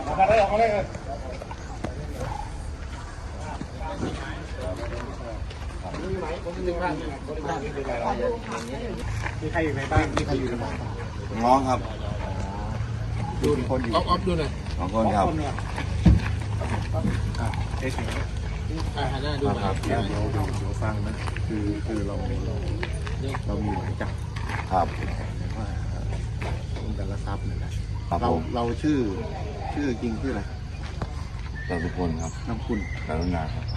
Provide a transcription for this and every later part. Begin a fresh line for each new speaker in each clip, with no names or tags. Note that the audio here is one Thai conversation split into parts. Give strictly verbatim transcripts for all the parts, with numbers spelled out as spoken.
ออกมาเลยออกมาเลยมีใครอยู่ในบ้านมีใครอยู่ในบ้าน
น้องครับ
ดูคนอยู่ออฟดูหน่อย
สองคนครับ
เอ๊ะอ่าหน้าดูครับเดี๋ยวเดี๋ยวเดี๋ยวฟังนะคือคือเราเราเรามีหมายจับ
ครับ
ว่าคุณแต่ละทรัพย์นี่แหละเราเราชื่อชื่อจริงชื่ออะไร
จตุพลครับ
น้ำคุณ
กรุณาครับ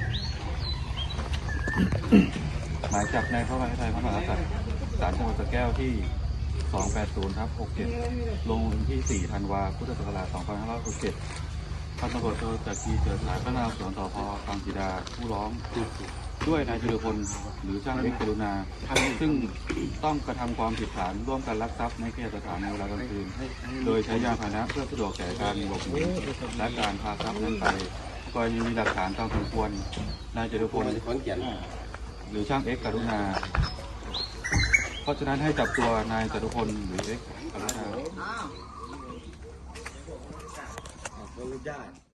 หมายจับในพระบรมไทยพระมหากษัตริย์ศาลจังหวัดสระแก้วที่ สองแปดศูนย์ทับหกเจ็ด ลงวันที่ สี่ ธันวาคม พุทธศักราช สองพันห้าร้อยหกสิบเจ็ด พันตำรวจโทจักรีเจิดฉายพนักงานสวนสพบางสีดาผู้ร้องด้วยนายจุลพลหรือช่างเอกกรุณาซึ่งต้องกระทำความผิดฐานร่วมกันลักทรัพย์ในเขตสถานในเวลากลางคืนโดยใช้ยานพาหนะเพื่อสะดวกแก่การหลบหนีและการพาทรัพย์นั้นไปกรณีมีหลักฐานตามสมควรนายจุลพลหรือช่างเอกกรุณาเพราะฉะนั้นให้จับตัวนายจตุพลหรือเอกกรุณา